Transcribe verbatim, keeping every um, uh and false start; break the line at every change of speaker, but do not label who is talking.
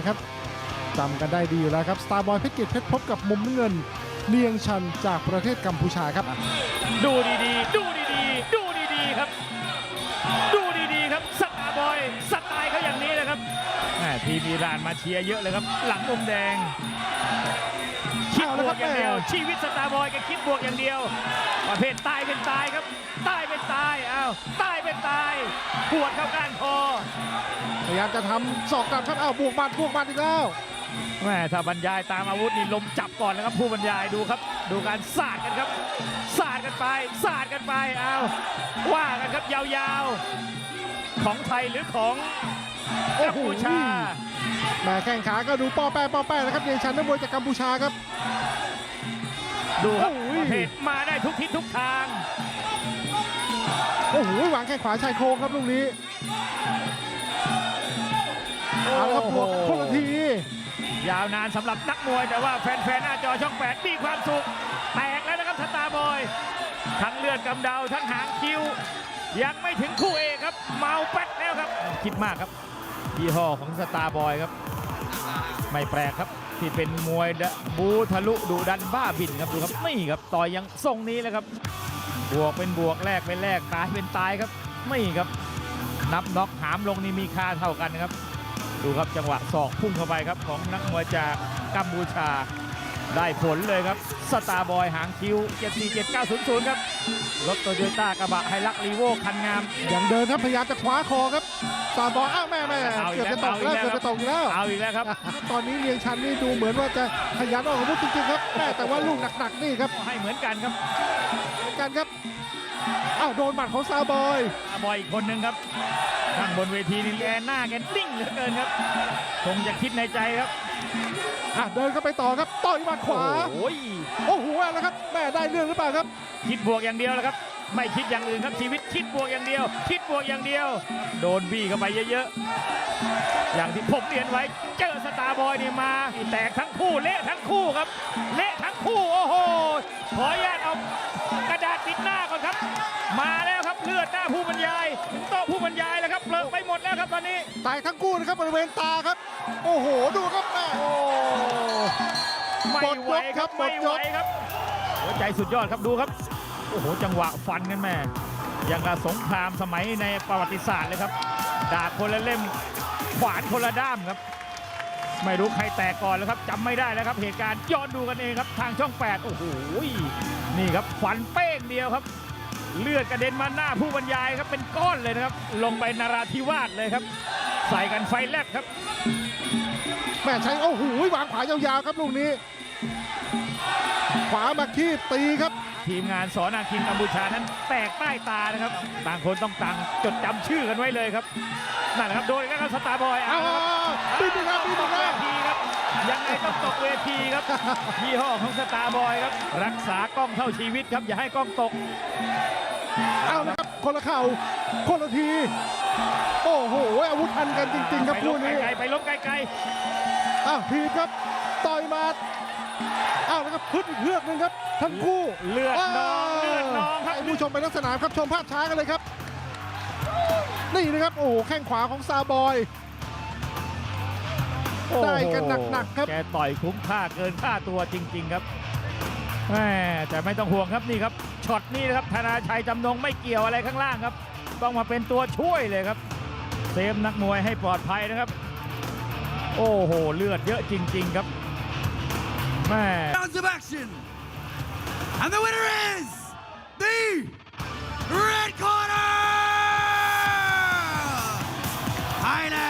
ครับจำกันได้ดีอยู่แล้วครับสตาร์บอยเพชรเกียรติเพชรพบกับมุมน้ำเงินเนียงชันจากประเทศกัมพูชาครับ
ดูดีๆดูดีๆดูดีๆครับดูดีๆครับสตาร์บอยสไตล์เขาอย่างนี้เลยครับทีมอิหร่านมาเชียร์เยอะเลยครับหลังมุมแดงคิดบวกอย่างเดียวชีวิตสตาร์บอยก็คิดบวกอย่างเดียวประเภทตายเป็นตายครับตายเป็นตายอ้าวตายเป็นตายปวดเข้าก้านคอ
พยายามจะทำศอกกลับครับอ้าวบวกบัดบวกบัดอีกแล้ว
แม่ถ้าบรรยายตามอาวุธนี่ลมจับก่อนนะครับผู้บรรยายดูครับดูการสาดกันครับสาดกันไปสาดกันไปอ้าวว่ากันครับยาวๆของไทยหรือของกัมพูชา
แม่แข้งขาก็ดูป้อแป้ป้อแป้นะครับเนียงชันนักมวยจากกัมพูชาครับ
ดูครับประเภทมาได้ทุกทิศทุกทาง
โอ้โหวางแข้งขวาชายโครงครับลูกนี้เอาละครับบวกคนละที
ยาวนานสำหรับนักมวยแต่ว่าแฟนๆหน้าจอช่องแปดมีความสุขแตกแล้วนะครับสตาร์บอยทั้งเลือดกำเดาทั้งหางคิ้วยังไม่ถึงคู่เอกครับเมาแป๊ดแล้วครับคิดมากครับยี่ห้อของสตาร์บอยครับไม่แปลกครับที่เป็นมวยบูทะลุดุดันบ้าบินครับดูครับไม่ครับต่อยยังทรงนี้เลยครับบวกเป็นบวกแลกเป็นแลกตายเป็นตายครับไม่ครับนับน็อกหามลงนี่มีค่าเท่ากันครับดูครับจังหวะศอกพุ่งเข้าไปครับของนักมวยจากกัมพูชาได้ผลเลยครับสตาร์บอยหางคิวเจ็ดสี่เจ็ดเก้าศูนย์ศูนย์ครับรถโตโยต้ากระบะไฮลักรีโวคันงาม
อย่างเดินครับพยายามจะคว้าคอครับสตาร์บอยอ้าวแม่แม่เกือบจะตกแล้วเกือบจะตกแล้ว
เอาอีกแล้วครับ
ตอนนี้เนียงชันนี่ดูเหมือนว่าจะขยันออกอาวุธจริงๆครับแม่แต่ว่าลูกหนักๆนี่ครับ
ให้เหมือนกันครับ
เหมือนกันครับอ้าวโดนหมัดของสตาร์บอย
สตาร์บอยอีกคนนึงครับข้างบนเวทีนี่แกหน้าแกนิ่งเหลือเกินครับคงจะคิดในใจครับ
อ่ะเดินเข้าไปต่อครับต่อยหมัดขวา
โอ้ย
โอ้โหแล้วครับแม่ได้เรื่องหรือเปล่าครับ
คิดบวกอย่างเดียวแล้วครับไม่คิดอย่างอื่นครับชีวิตคิดบวกอย่างเดียวคิดบวกอย่างเดียวโดนบี้เข้าไปเยอะๆอย่างที่ผมเรียนไว้เจอสตาร์บอยนี่มาแตกทั้งคู่เละทั้งคู่ครับเละทั้งคู่โอ้โหขออนุญาตเอากระดาษติดหน้าก่อนครับมาแล้วครับเลือดหน้าผู้บรรยายโต๊ะผู้บรรยายแล้วครับเลิกไปหมดแล้วครับตอนนี้
ตายทั้งคู่นะครับบริเวณตาครับโอ้โหดูครับแม่
โอ้ไม่ไหวครับไม่ไหวครับหัวใจสุดยอดครับดูครับโอ้โหจังหวะฟันกันแม่ยังกับสงครามสมัยในประวัติศาสตร์เลยครับดาบคนละเล่มขวานคนละด้ามครับไม่รู้ใครแตกก่อนแล้วครับจำไม่ได้แล้วครับเหตุการณ์ย้อนดูกันเองครับทางช่องแปดโอ้โหนี่ครับฟันเป้งเดียวครับเลือดกระเด็นมาหน้าผู้บรรยายครับเป็นก้อนเลยนะครับลงไปนราธิวาสเลยครับใส่กันไฟแลบครับ
แม่ใช้โอ้โหวางขวายาวๆครับลูกนี้ขวามาคีบตีครับ
ทีมงานสอนาคินกัมพูชานั้นแตกใต้ตานะครับต่างคนต้องต่างจดจำชื่อกันไว้เลยครับนั่นแหละครับโดนอีกแล้วครับสตาร์บอย
อ้าวบินไปครับบินไป
ครับทีครับยังไงต้องตกเวทีครับยี่ห้อของสตาร์บอยครับรักษากล้องเท่าชีวิตครับอย่าให้กล้องตก
เอาละครับคนละเข่าคนละทีโอ้โหอาวุธทันกันจริงๆครับคู่นี้
ไปล้มไกล
ๆอ้าวทีครับต่อยมาอ้าวแล้วก็พึ่งอีกเลือกนึงครับทั้งคู่
เลือดนองเลือดนองครับ
ผู้ชมไปลักษณะครับชมภาพช้ากันเลยครับนี่นะครับโอ้โหแข้งขวาของซาบอยได้กันหนักๆครับ
แกต่อยคุ้มค่าเกินค่าตัวจริงๆครับแหมแต่ไม่ต้องห่วงครับนี่ครับช็อตนี้นะครับธนาชัยจำนงไม่เกี่ยวอะไรข้างล่างครับต้องมาเป็นตัวช่วยเลยครับเซฟนักมวยให้ปลอดภัยนะครับโอ้โหเลือดเยอะจริงๆครับ
Rounds of action, and the winner is the red corner, Thailand.